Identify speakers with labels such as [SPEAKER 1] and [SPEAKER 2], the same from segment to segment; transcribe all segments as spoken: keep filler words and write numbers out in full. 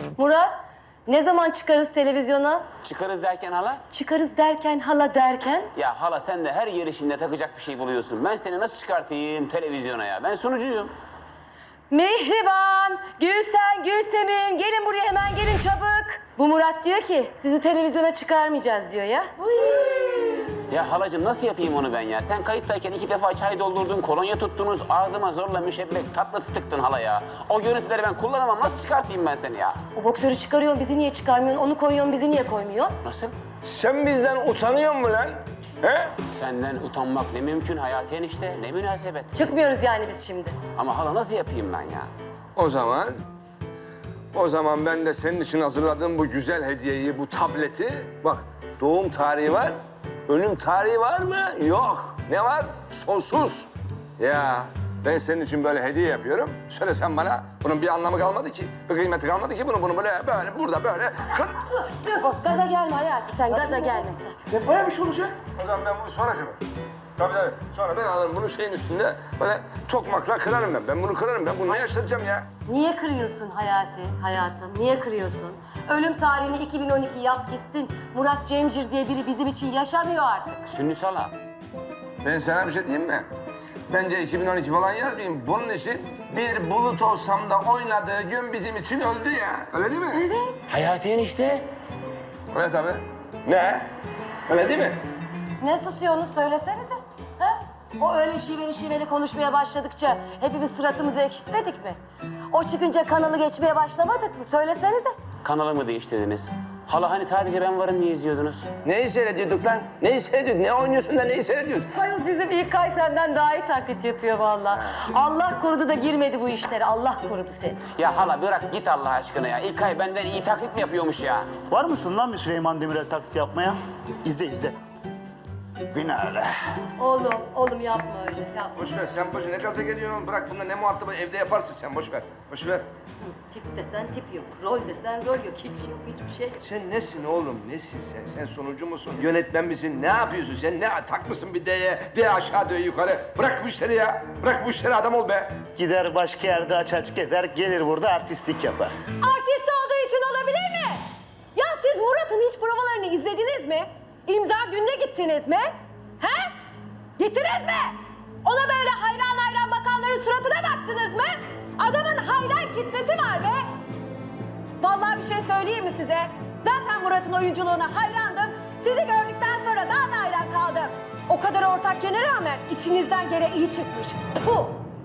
[SPEAKER 1] Murat, ne zaman çıkarız televizyona?
[SPEAKER 2] Çıkarız derken hala?
[SPEAKER 1] Çıkarız derken, hala derken?
[SPEAKER 2] Ya hala sen de her yarışında takacak bir şey buluyorsun. Ben seni nasıl çıkartayım televizyona ya? Ben sunucuyum.
[SPEAKER 1] Mihriban, Gülsen, Gülsemin, gelin buraya hemen gelin çabuk. Bu Murat diyor ki, sizi televizyona çıkarmayacağız diyor ya. Uy.
[SPEAKER 2] Ya halacığım nasıl yapayım onu ben ya? Sen kayıttayken iki defa çay doldurdun, kolonya tuttunuz, ağzıma zorla müşebbek tatlısı tıktın hala ya. O görüntüleri ben kullanamam. Nasıl çıkartayım ben seni ya?
[SPEAKER 1] O boksörü çıkarıyorsun, bizi niye çıkarmıyorsun? Onu koyuyorsun, bizi niye koymuyorsun?
[SPEAKER 2] Nasıl?
[SPEAKER 3] Sen bizden utanıyor musun lan? He?
[SPEAKER 2] Senden utanmak ne mümkün Hayati enişte, ne münasebet.
[SPEAKER 1] Çıkmıyoruz yani biz şimdi.
[SPEAKER 2] Ama hala nasıl yapayım ben ya?
[SPEAKER 3] O zaman... O zaman ben de senin için hazırladığım bu güzel hediyeyi, bu tableti... Bak, doğum tarihi var, ölüm tarihi var mı? Yok. Ne var? Sonsuz. Ya ben senin için böyle hediye yapıyorum. Söyle sen bana, bunun bir anlamı kalmadı ki. Bir kıymeti kalmadı ki bunu, bunu böyle, böyle, burada böyle... Kır.
[SPEAKER 1] Dur bak, gaza gelme Hayati, sen gaza gelme sen.
[SPEAKER 4] Ne bayağı bir şey olacak.
[SPEAKER 3] O zaman ben bunu sonra kırarım. Tabii tabii. Sonra ben alırım bunu şeyin üstünde böyle tokmakla kırarım ben. Ben bunu kırarım. Ben bunu ne yaşatacağım ya?
[SPEAKER 1] Niye kırıyorsun Hayati, hayatım? Niye kırıyorsun? Ölüm tarihini iki bin on iki yap gitsin. Murat Cemcir diye biri bizim için yaşamıyor artık.
[SPEAKER 2] Sünnüs hala.
[SPEAKER 3] Ben sana bir şey diyeyim mi? Bence iki bin on iki falan yazmayayım. Bunun için bir bulut olsam da oynadığı gün bizim için öldü ya. Öyle değil mi?
[SPEAKER 1] Evet.
[SPEAKER 2] Hayati enişte.
[SPEAKER 3] Öyle tabii. Ne? Öyle değil mi?
[SPEAKER 1] Ne susuyorsunuz söylesenize. Ha? O öyle şiveli şiveli konuşmaya başladıkça hepimiz suratımızı ekşitmedik mi? O çıkınca kanalı geçmeye başlamadık mı? Söylesenize.
[SPEAKER 2] Kanalımı değiştirdiniz. Hala hani sadece ben varım diye izliyordunuz.
[SPEAKER 3] Neyi seyrediyorduk lan? Neyi seyrediyorduk? Ne oynuyorsun da neyi seyrediyorsun?
[SPEAKER 1] Hayır bizim İlkay senden daha iyi taklit yapıyor vallahi. Allah korudu da girmedi bu işlere. Allah korudu seni.
[SPEAKER 2] Ya hala bırak git Allah aşkına ya. İlkay benden iyi taklit mi yapıyormuş ya?
[SPEAKER 4] Var mısın lan bir Süleyman Demirel taklit yapmaya? İzle izle. Binaenaleyh.
[SPEAKER 1] Oğlum, oğlum yapma öyle. Yapma.
[SPEAKER 3] Boş ver. Sen boş ver. Ne gaza geliyorsun oğlum? Bırak bunda ne muhatabı evde yaparsın sen. Boş ver. Boş ver.
[SPEAKER 1] Tip desen tip yok. Rol desen rol yok. Hiç yok. Hiçbir şey yok.
[SPEAKER 3] Sen nesin oğlum? Nesin sen? Sen sonucu musun? Yönetmen misin? Ne yapıyorsun sen? Ne takmışsın bir D'ye? D aşağı D yukarı. Bırak bu işleri ya. Bırak bu işleri adam ol be.
[SPEAKER 4] Gider başka yerde aç aç gezer, gelir burada artistlik yapar.
[SPEAKER 1] Artist olduğu için olabilir mi? Ya siz Murat'ın hiç provalarını izlediniz mi? İmza gününe gittiniz mi? He? Gittiniz mi? Ona böyle hayran hayran bakanların suratına baktınız mı? Adamın hayran kitlesi var be. Vallahi bir şey söyleyeyim mi size? Zaten Murat'ın oyunculuğuna hayrandım. Sizi gördükten sonra daha da hayran kaldım. O kadar ortak gene rağmen içinizden gene iyi çıkmış. Puh!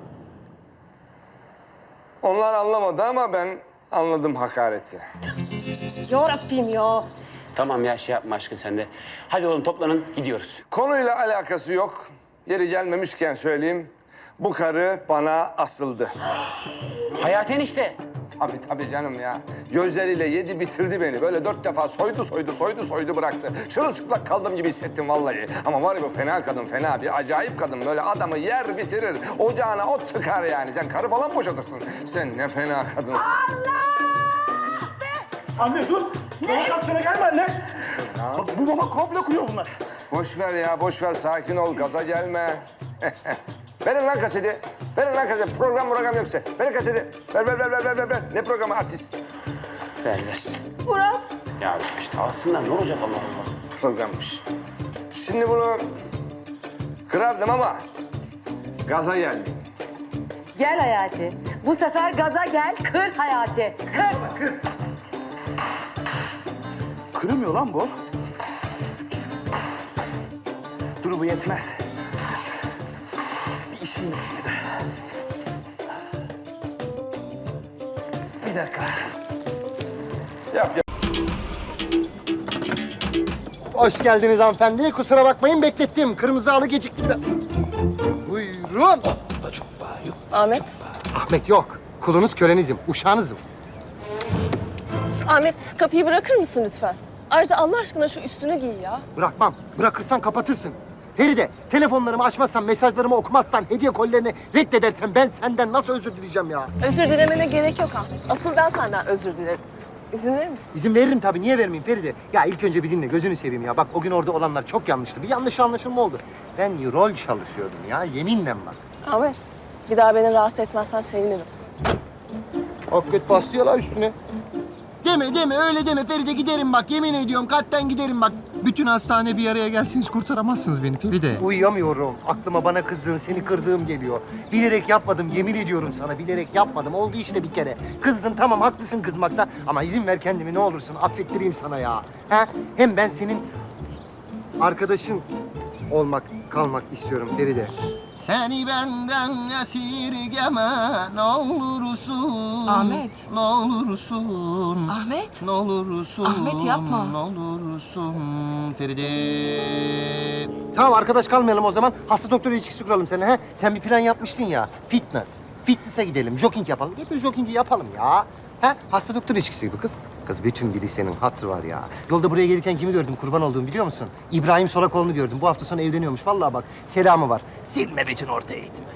[SPEAKER 3] Onlar anlamadı ama ben anladım hakareti.
[SPEAKER 1] Ya Rabbim ya.
[SPEAKER 2] Tamam ya şey yapma aşkın sen de. Hadi oğlum toplanın gidiyoruz.
[SPEAKER 3] Konuyla alakası yok. Yeri gelmemişken söyleyeyim. Bu karı bana asıldı.
[SPEAKER 2] Hayati enişte.
[SPEAKER 3] Tabii tabii canım ya. Gözleriyle yedi bitirdi beni. Böyle dört defa soydu soydu soydu soydu bıraktı. Çırılçıplak kaldım gibi hissettim vallahi. Ama var ya bu fena kadın fena bir acayip kadın. Böyle adamı yer bitirir. Ocağına ot tıkar yani. Sen karı falan boşatırsın. Sen ne fena kadınsın.
[SPEAKER 4] Anne dur. Provokasyona gelme anne. Bu baba komplo kuruyor bunlar.
[SPEAKER 3] Boş ver ya boş ver sakin ol gaza gelme. Verin lan kaseti. Verin lan kaseti. Program program yoksa. Verin kaseti. Ver ver ver ver ver ver. ver. Ne programı artist?
[SPEAKER 2] Ver ver.
[SPEAKER 1] Murat.
[SPEAKER 2] Ya işte alsınlar ne olacak Allah Allah.
[SPEAKER 3] Programmış. Şimdi bunu kırardım ama gaza gelmeyeyim.
[SPEAKER 1] Gel Hayati. Bu sefer gaza gel, kır Hayati. Kır.
[SPEAKER 4] Kırmıyor lan bu. Dur bu yetmez. Bir işim yok. Bir dakika.
[SPEAKER 3] Yap yap.
[SPEAKER 5] Hoş geldiniz hanımefendi. Kusura bakmayın beklettim. Kırmızı halı gecikti biraz. Buyurun.
[SPEAKER 6] Ahmet.
[SPEAKER 5] Ahmet yok. Kulunuz kölenizim, uşağınızım.
[SPEAKER 6] Ahmet kapıyı bırakır mısın lütfen? Ayrıca Allah aşkına şu üstünü giy ya.
[SPEAKER 5] Bırakmam. Bırakırsan kapatırsın. Feride, telefonlarımı açmazsan, mesajlarımı okumazsan, hediye kolilerini reddedersen ben senden nasıl özür dileyeceğim ya?
[SPEAKER 6] Özür dilemene gerek yok Ahmet. Asıl ben senden özür dilerim. İzin verir misin?
[SPEAKER 5] İzin veririm tabii. Niye vermeyeyim Feride? Ya ilk önce bir dinle. Gözünü seveyim ya. Bak o gün orada olanlar çok yanlıştı. Bir yanlış anlaşılma oldu. Ben rol çalışıyordum ya. Yeminle bak.
[SPEAKER 6] Ahmet, bir daha beni rahatsız etmezsen sevinirim.
[SPEAKER 5] Hakikaten bastı ya la üstüne. Deme deme öyle deme Feride, giderim bak, yemin ediyorum kalpten giderim bak.
[SPEAKER 7] Bütün hastane bir araya gelseniz kurtaramazsınız beni Feride.
[SPEAKER 5] Uyuyamıyorum. Aklıma bana kızdığın, seni kırdığım geliyor. Bilerek yapmadım, yemin ediyorum sana. Bilerek yapmadım. Oldu işte bir kere. Kızdın, tamam haklısın kızmakta. Ama izin ver kendimi ne olursun. Affettireyim sana ya. Ha? Hem ben senin arkadaşın olmak, kalmak istiyorum Feride. Seni benden esirgeme ne olursun.
[SPEAKER 6] Ahmet.
[SPEAKER 5] Ne olursun.
[SPEAKER 6] Ahmet.
[SPEAKER 5] Ne olursun.
[SPEAKER 6] Ahmet, yapma.
[SPEAKER 5] Ne olursun Feride. Tamam arkadaş kalmayalım o zaman. Hasta doktor ilişkisi kuralım seninle. He? Sen bir plan yapmıştın ya. Fitness. Fitness'e gidelim. Jogging yapalım. Getir joggingi yapalım ya. He? Hasta doktor ilişkisi gibi kız. Kız bütün bir lisenin hatırı var ya. Yolda buraya gelirken kimi gördüm kurban olduğum biliyor musun? İbrahim Solakoğlu'nu gördüm. Bu hafta sonu evleniyormuş. Vallahi bak selamı var. Silme bütün orta eğitimi.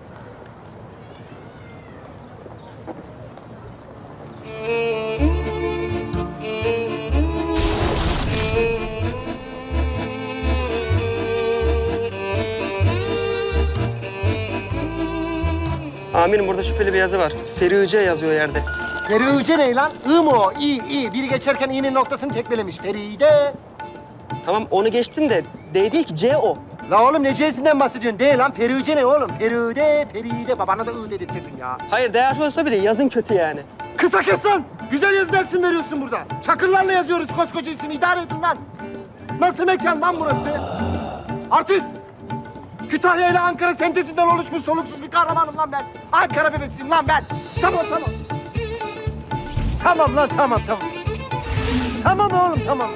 [SPEAKER 8] Amirim burada şüpheli bir yazı var. Ferice yazıyor yerde.
[SPEAKER 5] Feride ne lan? I mı o? İyi iyi. Biri geçerken i'nin noktasını tekmelemiş. Feride.
[SPEAKER 8] Tamam onu geçtim de D değil ki C o.
[SPEAKER 5] La oğlum ne C'sinden bahsediyorsun? De lan Feride ne oğlum? Feride, Feride. Babana da I dedirttirdin ya.
[SPEAKER 8] Hayır D harfi olsa bile yazın kötü yani.
[SPEAKER 5] Kısa kes lan! Güzel yazı dersin veriyorsun burada. Çakırlarla yazıyoruz koskoca isim. İdare edin lan. Nasıl mekan lan burası? Artist! Kütahya ile Ankara sentezinden oluşmuş soluksuz bir kahramanım lan ben. Ankara bebesiyim lan ben. Tamam tamam. Tamam lan tamam tamam. Tamam oğlum tamam.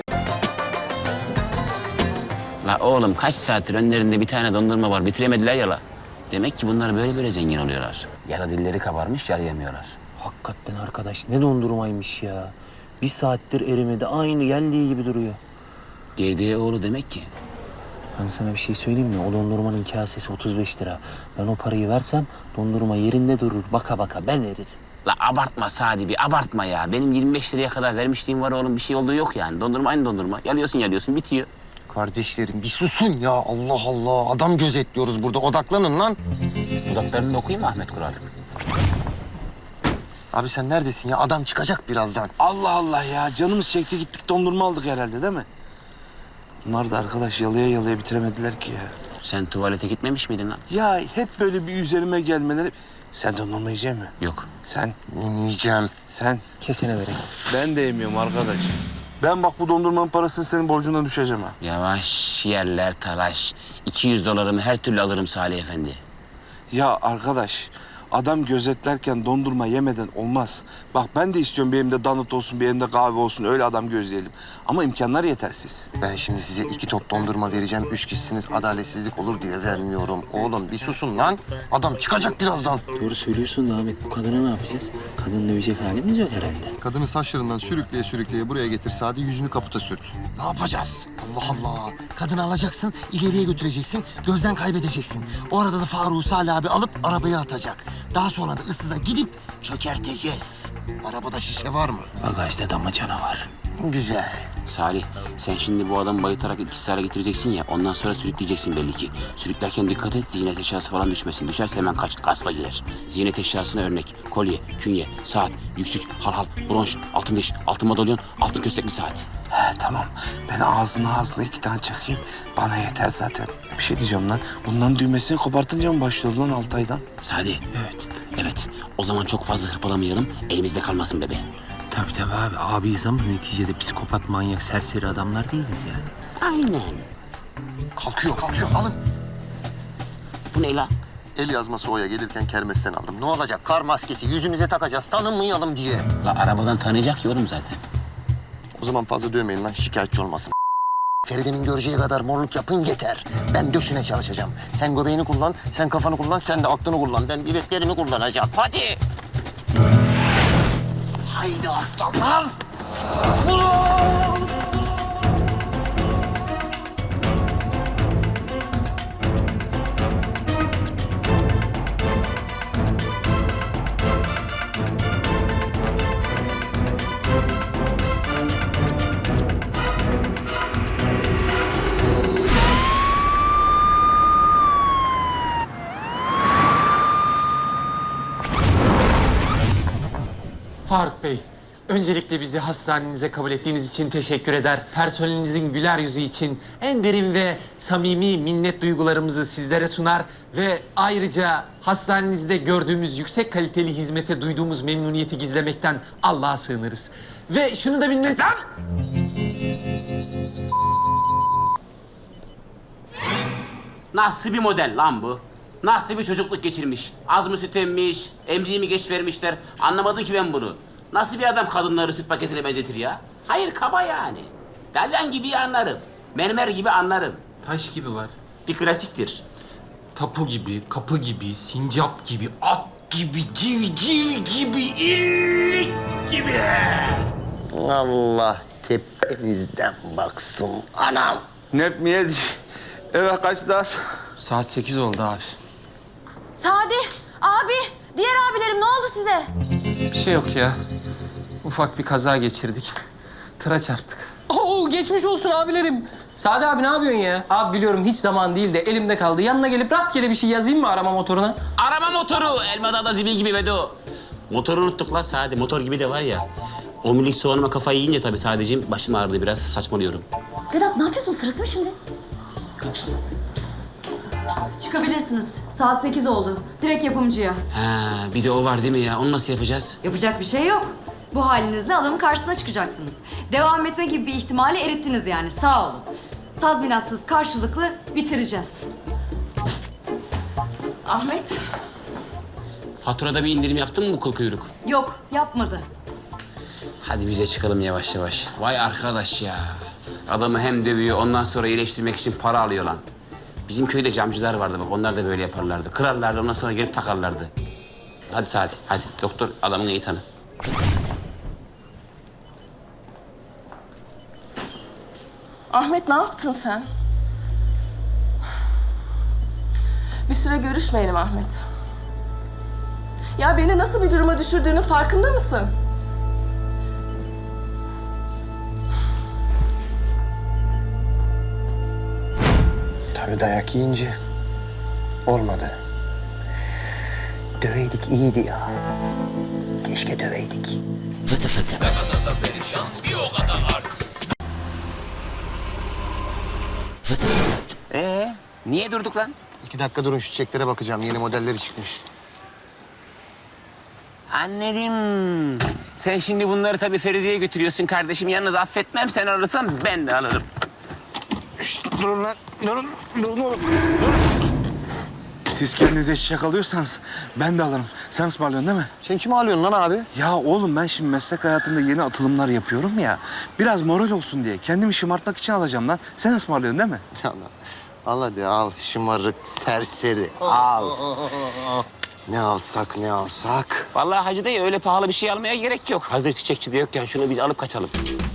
[SPEAKER 2] La oğlum kaç saattir önlerinde bir tane dondurma var bitiremediler ya la. Demek ki bunlar böyle böyle zengin oluyorlar. Ya da dilleri kabarmış yarayamıyorlar.
[SPEAKER 9] Hakikaten arkadaş ne dondurmaymış ya. Bir saattir erimedi. Aynı geldiği gibi duruyor.
[SPEAKER 2] G D oğlu demek ki.
[SPEAKER 9] Ben sana bir şey söyleyeyim mi? O dondurmanın kasesi otuz beş lira. Ben o parayı versem dondurma yerinde durur. Baka baka ben eririm.
[SPEAKER 2] La abartma Sadi bir abartma ya. Benim yirmi beş liraya kadar vermişliğim var oğlum. Bir şey olduğu yok yani. Dondurma aynı dondurma. Yalıyorsun yalıyorsun bitiyor.
[SPEAKER 5] Kardeşlerim bir susun ya. Allah Allah. Adam gözetliyoruz burada. Odaklanın lan.
[SPEAKER 2] Dudaklarını da okuyayım mı Ahmet Kural?
[SPEAKER 5] Abi sen neredesin ya? Adam çıkacak birazdan.
[SPEAKER 10] Allah Allah ya. Canımız çekti gittik dondurma aldık herhalde değil mi? Bunlar da arkadaş yalıya yalıya bitiremediler ki ya.
[SPEAKER 2] Sen tuvalete gitmemiş miydin lan?
[SPEAKER 10] Ya hep böyle bir üzerime gelmeleri... Sen dondurma yiyecek misin?
[SPEAKER 2] Yok.
[SPEAKER 10] Sen,
[SPEAKER 5] Yiyeceğim.
[SPEAKER 10] sen.
[SPEAKER 9] Kesene vereyim.
[SPEAKER 10] Ben de yemiyorum arkadaş. Ben bak bu dondurmanın parasını senin borcundan düşeceğim ha.
[SPEAKER 2] Yavaş yerler talaş. iki yüz dolarımı her türlü alırım Salih Efendi.
[SPEAKER 10] Ya arkadaş, adam gözetlerken dondurma yemeden olmaz. Bak ben de istiyorum bir elimde donut olsun, bir elimde kahve olsun. Öyle adam gözleyelim. Ama imkanlar yetersiz.
[SPEAKER 5] Ben şimdi size iki top dondurma vereceğim. Üç kişisiniz adaletsizlik olur diye vermiyorum. Oğlum bir susun lan. Adam çıkacak birazdan.
[SPEAKER 9] Doğru söylüyorsun da Ahmet. Bu kadına ne yapacağız? Kadını dövecek halimiz yok herhalde.
[SPEAKER 5] Kadını saçlarından sürükleye sürükleye buraya getir. Sadi yüzünü kaputa sürt. Ne yapacağız? Allah Allah. Kadını alacaksın, ileriye götüreceksin, gözden kaybedeceksin. O arada da Faruk'u Salih abi alıp arabaya atacak. Daha sonra da ıssıza gidip çökerteceğiz. Arabada şişe var mı?
[SPEAKER 9] Bagajda damacana var.
[SPEAKER 5] Güzel.
[SPEAKER 2] Salih sen şimdi bu adamı bayıltarak etkisiz hale getireceksin ya. Ondan sonra sürükleyeceksin belli ki. Sürüklerken dikkat et ziynet eşyası falan düşmesin. Düşerse hemen kaç gaspa girer. Ziynet eşyasına örnek kolye, künye, saat, yüksük, halhal, bronş, altın diş, altın madalyon, altın köstekli saat.
[SPEAKER 10] He tamam. Ben ağzına ağzına iki tane çakayım. Bana yeter zaten. Bir şey diyeceğim lan. Bunların düğmesini kopartınca mı başlıyor lan altı aydan?
[SPEAKER 2] Sadi. Evet. Evet. O zaman çok fazla hırpalamayalım. Elimizde kalmasın bebe.
[SPEAKER 9] Tabii tabii abi. Abiyiz ama neticede psikopat, manyak, serseri adamlar değiliz yani.
[SPEAKER 2] Aynen.
[SPEAKER 5] Kalkıyor, kalkıyor. Alın.
[SPEAKER 2] Bu ne lan?
[SPEAKER 5] El yazması O'ya gelirken kermesten aldım. Ne olacak? Kar maskesi yüzümüze takacağız. Tanınmayalım diye.
[SPEAKER 2] La arabadan tanıyacak yorum zaten.
[SPEAKER 5] O zaman fazla dövmeyin lan. Şikayetçi olmasın. Feride'nin göreceği kadar morluk yapın yeter. Ben döşüne çalışacağım. Sen göbeğini kullan, sen kafanı kullan, sen de aklını kullan. Ben bileklerimi kullanacağım. Hadi. Haydi aslanlar.
[SPEAKER 7] Faruk Bey,
[SPEAKER 11] Öncelikle bizi hastanenize kabul ettiğiniz için teşekkür eder. Personelinizin güler yüzü için en derin ve samimi minnet duygularımızı sizlere sunar ve ayrıca hastanenizde gördüğümüz yüksek kaliteli hizmete duyduğumuz memnuniyeti gizlemekten Allah'a sığınırız. Ve şunu da bilmeniz... Lan!
[SPEAKER 2] Nasıl bir model lan bu? Nasıl bir çocukluk geçirmiş? Az mı süt emmiş, emziği mi geç vermişler? Anlamadım ki ben bunu. Nasıl bir adam kadınları süt paketine benzetir ya? Hayır, kaba yani. Dalyan gibi anlarım. Mermer gibi anlarım.
[SPEAKER 11] Taş gibi var.
[SPEAKER 2] Bir klasiktir.
[SPEAKER 11] Tapu gibi, kapı gibi, sincap gibi, at gibi, gilgil gibi, illik gibi.
[SPEAKER 5] Allah tepenizden baksın anam.
[SPEAKER 3] Nep mi yedik? Eve kaç daha?
[SPEAKER 11] Saat sekiz oldu abi.
[SPEAKER 1] Sadi, abi, diğer abilerim ne oldu size?
[SPEAKER 11] Bir şey yok ya. Ufak bir kaza geçirdik. Tıra çarptık.
[SPEAKER 8] Oo geçmiş olsun abilerim. Sade abi ne yapıyorsun ya? Abi biliyorum hiç zaman değil de elimde kaldı. Yanına gelip rastgele bir şey yazayım mı arama motoruna?
[SPEAKER 2] Arama motoru, Elmadağ'da zibil gibi Vedo. Motoru unuttuk lan Sadi, motor gibi de var ya. O minik soğanıma kafayı yiyince tabii Sadeciğim başım ağrıdı, biraz saçmalıyorum.
[SPEAKER 1] Vedat ne yapıyorsun? Sırası mı şimdi?
[SPEAKER 12] Çıkabilirsiniz. Saat sekiz oldu. Direkt yapımcıya.
[SPEAKER 2] Ha, bir de o var değil mi ya? Onu nasıl yapacağız?
[SPEAKER 12] Yapacak bir şey yok. Bu halinizle adamın karşısına çıkacaksınız. Devam etme gibi bir ihtimali erittiniz yani. Sağ olun. Tazminatsız karşılıklı bitireceğiz.
[SPEAKER 6] Ahmet.
[SPEAKER 2] Faturada bir indirim yaptın mı bu kıl kuyruk?
[SPEAKER 12] Yok, yapmadı.
[SPEAKER 2] Hadi biz de çıkalım yavaş yavaş. Vay arkadaş ya. Adamı hem dövüyor, ondan sonra iyileştirmek için para alıyor lan. Bizim köyde camcılar vardı bak, onlar da böyle yaparlardı. Kırarlardı, ondan sonra gelip takarlardı. Hadi Sadi, hadi. Doktor adamın iyi tanı.
[SPEAKER 6] Ahmet ne yaptın sen? Bir süre görüşmeyelim Ahmet. Ya beni nasıl bir duruma düşürdüğünün farkında mısın?
[SPEAKER 5] Tabii dayak yiyince olmadı. Döveydik iyiydi ya. Keşke döveydik.
[SPEAKER 2] Fıtı fıtı. Fıtı fıtı. Ee, niye durduk lan?
[SPEAKER 5] İki dakika durun şu çiçeklere bakacağım. Yeni modelleri çıkmış.
[SPEAKER 2] Anladım. Sen şimdi bunları tabii Feride'ye götürüyorsun kardeşim. Yalnız affetmem, sen alırsan ben de alırım.
[SPEAKER 10] Durun lan. Durun. Durun oğlum. Siz kendinize çiçek alıyorsanız ben de alırım. Sen ısmarlıyorsun değil mi?
[SPEAKER 5] Sen kimi alıyorsun lan abi?
[SPEAKER 10] Ya oğlum ben şimdi meslek hayatımda yeni atılımlar yapıyorum ya. Biraz moral olsun diye. Kendimi şımartmak için alacağım lan. Sen ısmarlıyorsun değil mi?
[SPEAKER 5] Allah, al hadi al şımarık serseri al. Ne alsak ne alsak.
[SPEAKER 2] Vallahi Hacı dayı öyle pahalı bir şey almaya gerek yok. Hazır çiçekçi de yokken şunu biz alıp kaçalım.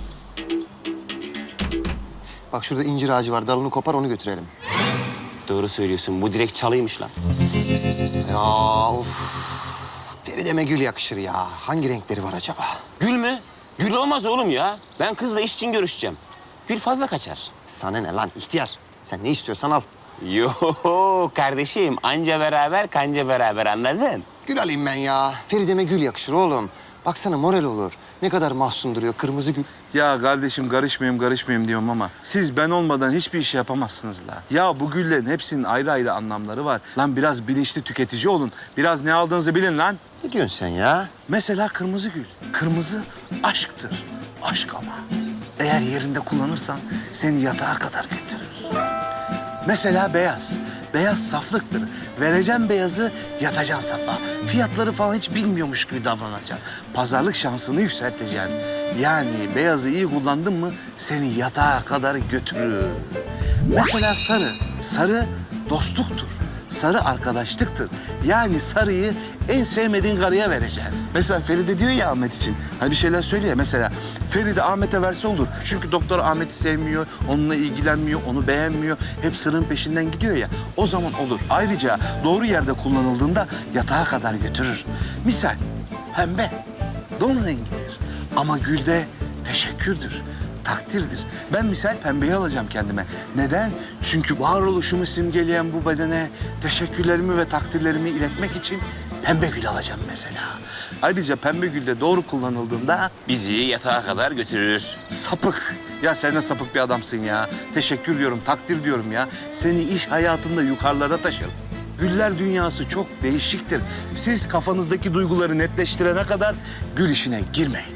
[SPEAKER 5] Bak şurada incir ağacı var dalını kopar onu götürelim.
[SPEAKER 2] Doğru söylüyorsun. Bu direkt çalıymış lan.
[SPEAKER 5] Ya of. Feride'me gül yakışır ya. Hangi renkleri var acaba?
[SPEAKER 2] Gül mü? Gül olmaz oğlum ya. Ben kızla iş için görüşeceğim. Gül fazla kaçar.
[SPEAKER 5] Sana ne lan ihtiyar. Sen ne istiyorsan al.
[SPEAKER 2] Yo kardeşim, anca beraber kanca beraber, anladın?
[SPEAKER 5] Gül alayım ben ya. Feride'me gül yakışır oğlum. Baksana moral olur. Ne kadar mahzun duruyor kırmızı gül.
[SPEAKER 10] Ya kardeşim karışmayayım karışmayayım diyorum ama siz ben olmadan hiçbir iş yapamazsınız la. Ya bu güllerin hepsinin ayrı ayrı anlamları var. Lan biraz bilinçli tüketici olun. Biraz ne aldığınızı bilin lan.
[SPEAKER 5] Ne diyorsun sen ya?
[SPEAKER 10] Mesela kırmızı gül. Kırmızı aşktır. Aşk ama. Eğer yerinde kullanırsan seni yatağa kadar götürür. Mesela beyaz. Beyaz saflıktır. Vereceğim beyazı, yatacaksın safa. Fiyatları falan hiç bilmiyormuş gibi davranacaksın. Pazarlık şansını yükselteceksin. Yani beyazı iyi kullandın mı seni yatağa kadar götürür. Mesela sarı. Sarı dostluktur. Sarı arkadaşlıktır. Yani sarıyı en sevmediğin karıya vereceksin. Mesela Feride diyor ya Ahmet için. Hani bir şeyler söylüyor. Mesela Feride Ahmet'e verse olur. Çünkü doktor Ahmet'i sevmiyor, onunla ilgilenmiyor, onu beğenmiyor. Hep sırrın peşinden gidiyor ya. O zaman olur. Ayrıca doğru yerde kullanıldığında yatağa kadar götürür. Misal pembe. Don rengidir. Ama gülde teşekkürdür. Takdirdir. Ben misal pembeyi alacağım kendime. Neden? Çünkü varoluşumu simgeleyen bu bedene teşekkürlerimi ve takdirlerimi iletmek için pembe gül alacağım mesela. Ayrıca Pembegül de doğru kullanıldığında
[SPEAKER 2] Bizi yatağa kadar götürür.
[SPEAKER 10] sapık. Ya sen de sapık bir adamsın ya. Teşekkür diyorum, takdir diyorum ya. Seni iş hayatında yukarılara taşırım. Güller dünyası çok değişiktir. Siz kafanızdaki duyguları netleştirene kadar gül işine girmeyin.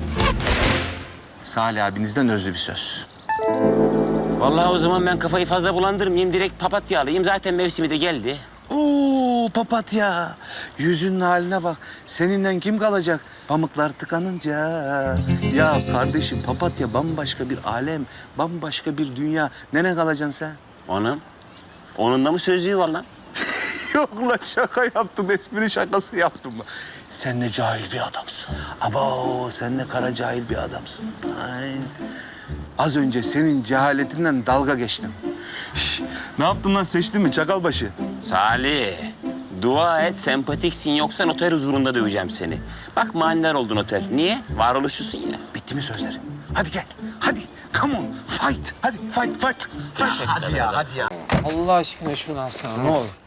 [SPEAKER 10] Salih abinizden özlü bir söz.
[SPEAKER 2] Vallahi o zaman ben kafayı fazla bulandırmayayım. Direkt papatya alayım. Zaten mevsimi de geldi.
[SPEAKER 10] Oo papatya. Yüzünün haline bak. Seninle kim kalacak? Pamuklar tıkanınca. Ya kardeşim papatya bambaşka bir alem. Bambaşka bir dünya. Nereye kalacaksın sen?
[SPEAKER 2] Onun? Onun da mı sözlüğü var lan?
[SPEAKER 10] Yok lan şaka yaptım. Espri şakası yaptım. Sen ne cahil bir adamsın. Abo sen ne kara cahil bir adamsın. Ay. Az önce senin cehaletinden dalga geçtim. Şş, ne yaptın lan seçtin mi çakalbaşı?
[SPEAKER 2] Salih, dua et sempatiksin yoksa noter huzurunda döveceğim seni. Bak manidar oldun noter. Niye? Varoluşçusun ya.
[SPEAKER 10] Bitti mi sözlerin? Hadi gel. Hadi. Come on. Fight. Hadi fight fight. fight.
[SPEAKER 5] Hadi ya, hadi ya.
[SPEAKER 8] Allah aşkına şunu alsana ne olur.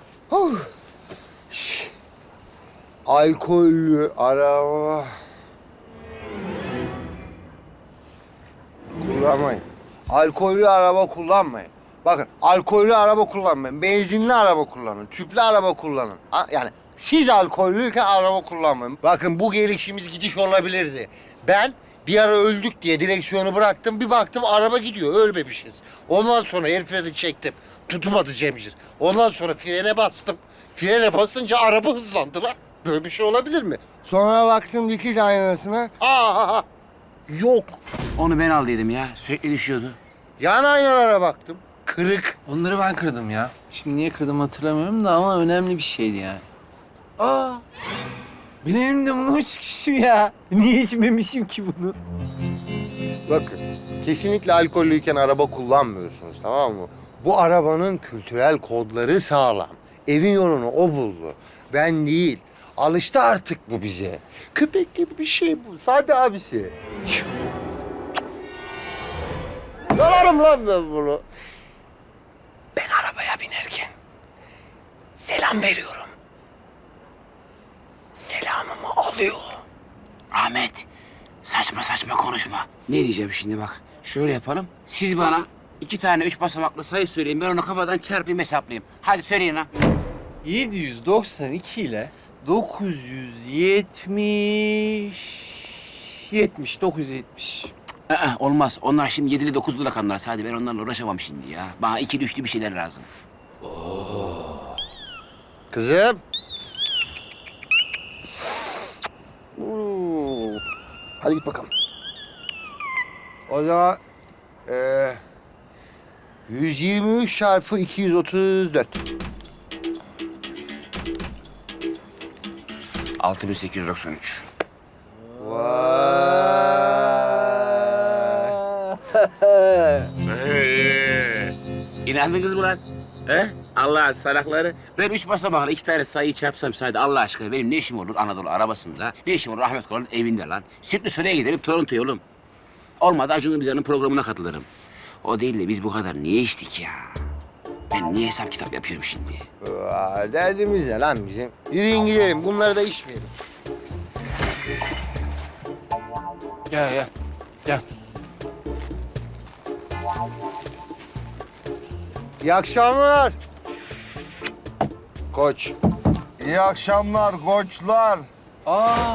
[SPEAKER 5] Alkollü araba kullanmayın. Alkollü araba kullanmayın. Bakın, alkollü araba kullanmayın. Benzinli araba kullanın. Tüplü araba kullanın. Ha, yani siz alkollüyken araba kullanmayın. Bakın bu gelişimiz gidiş olabilirdi. Ben bir ara öldük diye direksiyonu bıraktım. Bir baktım araba gidiyor. Ölmemişiz. Ondan sonra el freni çektim. Tutmadı Cemcir. Ondan sonra frene bastım. Frene basınca araba hızlandı lan. Böyle bir şey olabilir mi? Sonra baktım dikiz aynasına. Aa, yok.
[SPEAKER 2] Onu ben aldıydım ya. Sürekli düşüyordu.
[SPEAKER 5] Yan aynalara baktım. Kırık.
[SPEAKER 8] Onları ben kırdım ya. Şimdi niye kırdım hatırlamıyorum da ama önemli bir şeydi yani. Aa! Benim de bunu içmişim ya. Niye içmemişim ki bunu?
[SPEAKER 5] Bakın, kesinlikle alkollüyken araba kullanmıyorsunuz, tamam mı? Bu arabanın kültürel kodları sağlam. Evin yolunu o buldu. Ben değil. Alıştı artık bu bize. Köpek gibi bir şey bu. Sade abisi. Yalarım lan ben bunu.
[SPEAKER 2] Ben arabaya binerken selam veriyorum. Selamımı alıyor. Ahmet, saçma saçma konuşma. Ne diyeceğim şimdi bak. Şöyle yapalım. Siz bana iki tane üç basamaklı sayı söyleyin. Ben onu kafadan çarpayım hesaplayayım. Hadi söyleyin lan.
[SPEAKER 8] yedi yüz doksan iki ile dokuz yüz yetmiş... yetmiş, dokuz yüz yetmiş.
[SPEAKER 2] Aa, olmaz. Onlar şimdi yedili dokuzlu rakamlar. Sadece ben onlarla uğraşamam şimdi ya. Bana ikili üçlü bir şeyler lazım.
[SPEAKER 5] Kızım. Oo. Hadi git bakalım. O zaman eee yüz yirmi üç çarpı iki yüz otuz dört.
[SPEAKER 2] altı bin sekiz yüz doksan üç. İnandınız mı lan? He? Allah salakları. Ben üç basamakla iki tane sayıyı çarpsam sadece Allah aşkına benim ne işim olur Anadolu arabasında? Ne işim olur Ahmet Koran'ın evinde lan? Sirtli Süreyya gidelim Toronto'ya oğlum. Olmadı Acun Ilıcalı'nın programına katılırım. O değil de biz bu kadar niye içtik ya? Ben niye hesap kitap yapıyorum şimdi?
[SPEAKER 5] Aa, derdimiz ne lan bizim? Yürüyün gidelim. Bunları da içmeyelim.
[SPEAKER 8] Gel gel. Gel.
[SPEAKER 5] İyi akşamlar. Koç.
[SPEAKER 3] İyi akşamlar koçlar.
[SPEAKER 8] Aa.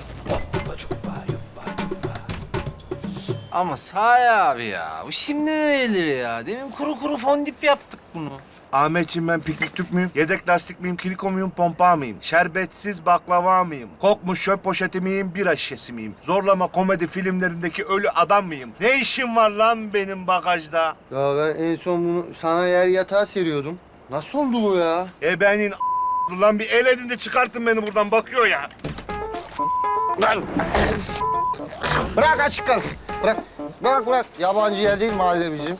[SPEAKER 8] Ama Sahi abi ya, bu şimdi mi verilir ya? Demin kuru kuru fondip yaptık bunu.
[SPEAKER 10] Ahmetciğim ben piknik tüp müyüm? Yedek lastik miyim? Kiliko muyum? Pompa mıyım? Şerbetsiz baklava mıyım? Kokmuş çöp poşeti miyim? Bira şişesi miyim? Zorlama komedi filmlerindeki ölü adam mıyım? Ne işim var lan benim bagajda?
[SPEAKER 5] Ya ben en son bunu sana yer yatağa seriyordum. Nasıl oldu bu ya?
[SPEAKER 10] Ebenin lan bir el edin de çıkartın beni buradan bakıyor ya.
[SPEAKER 5] Bırak açık kalsın. Bırak. Bırak bırak. Yabancı yer değil mahalle bizim.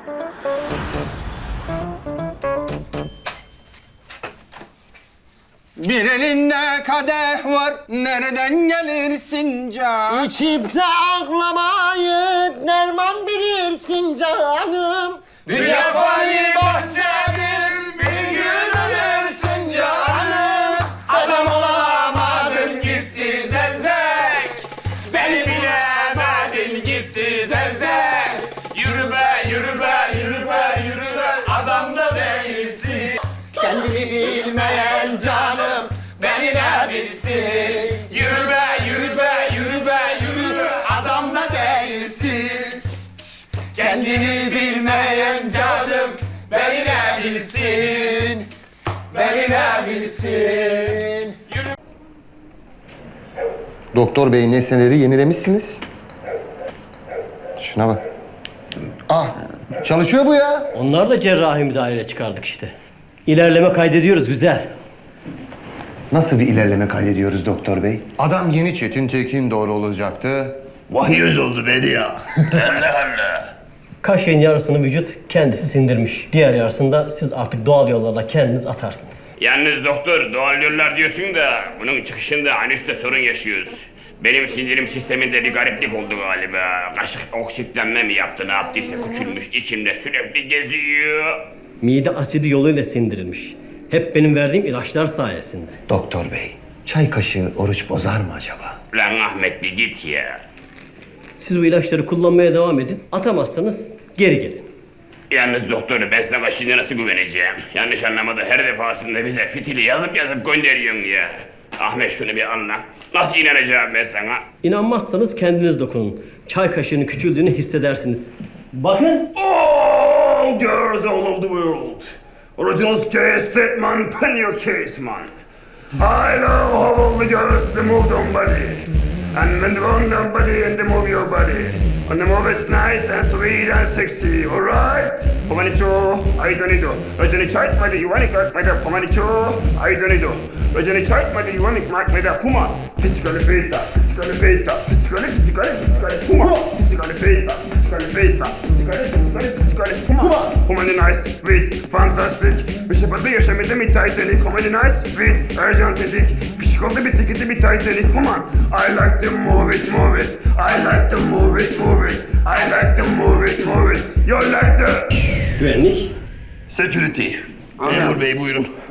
[SPEAKER 8] Bir elinde kadeh var, nereden gelirsin can?
[SPEAKER 5] İçip de ağlamayı derman bilirsin canım.
[SPEAKER 8] Dünya fani bahçedir, bir gün ölürsün canım. Adam olamadın gitti
[SPEAKER 10] bilsin. Kendini bilmeyen canım beni ne bilsin. Beni ne bilsin.
[SPEAKER 5] Doktor bey nesneleri yenilemişsiniz. Şuna bak. Ah, çalışıyor bu ya.
[SPEAKER 13] Onlar da cerrahi müdahaleyle çıkardık işte. İlerleme kaydediyoruz, güzel.
[SPEAKER 5] Nasıl bir ilerleme kaydediyoruz doktor bey? Adam yeni Çetin Tekin doğru olacaktı. Vahiyoz oldu bedi ya.
[SPEAKER 13] Kaşığın yarısını vücut kendisi sindirmiş. Diğer yarısını da siz artık doğal yollarla kendiniz atarsınız.
[SPEAKER 2] Yalnız doktor doğal yollar diyorsun da bunun çıkışında anüste sorun yaşıyoruz. Benim sindirim sisteminde bir gariplik oldu galiba. Kaşık oksitlenme mi yaptı ne yaptıysa küçülmüş içimde sürekli geziyor.
[SPEAKER 13] Mide asidi yoluyla sindirilmiş. Hep benim verdiğim ilaçlar sayesinde.
[SPEAKER 5] Doktor bey, çay kaşığı oruç bozar mı acaba?
[SPEAKER 2] Lan Ahmet bir git ya.
[SPEAKER 13] Siz bu ilaçları kullanmaya devam edin. Atamazsanız geri gelin.
[SPEAKER 2] Yalnız doktor ben sana şimdi nasıl güveneceğim? Yanlış anlamadı her defasında bize fitili yazıp yazıp gönderiyorsun ya. Ahmet şunu bir anla. Nasıl inanacağım ben sana?
[SPEAKER 13] İnanmazsanız kendiniz dokunun. Çay kaşığının küçüldüğünü hissedersiniz. Bakın.
[SPEAKER 2] All girls all over the world. Original case that man, pen your case man. I know how all the girls they move their body. And when they move their body and they move your body. And they move it nice and sweet and sexy, alright? Pomanicho, I don't need to. Rajani chait madi, you want to cut my da. Pomanicho, I don't need to. Rajani chait madi, you want to mark my da. Puma, physically fit, physically fit, physically, physically, physically, Puma, physically fit, physically fit, physically, physically, physically, Puma. Pomani nice, sweet, fantastic. Bir şey patlı yaşamadı bir Titanic. Pomani nice, sweet, Arjantinik. Pişik oldu bir tiketi bir Titanic. Puma, I like to move it, move it. I like to move it, move it. I like to move it, move it. You like the...
[SPEAKER 13] Güvenlik.
[SPEAKER 10] Security. Memur bey buyurun.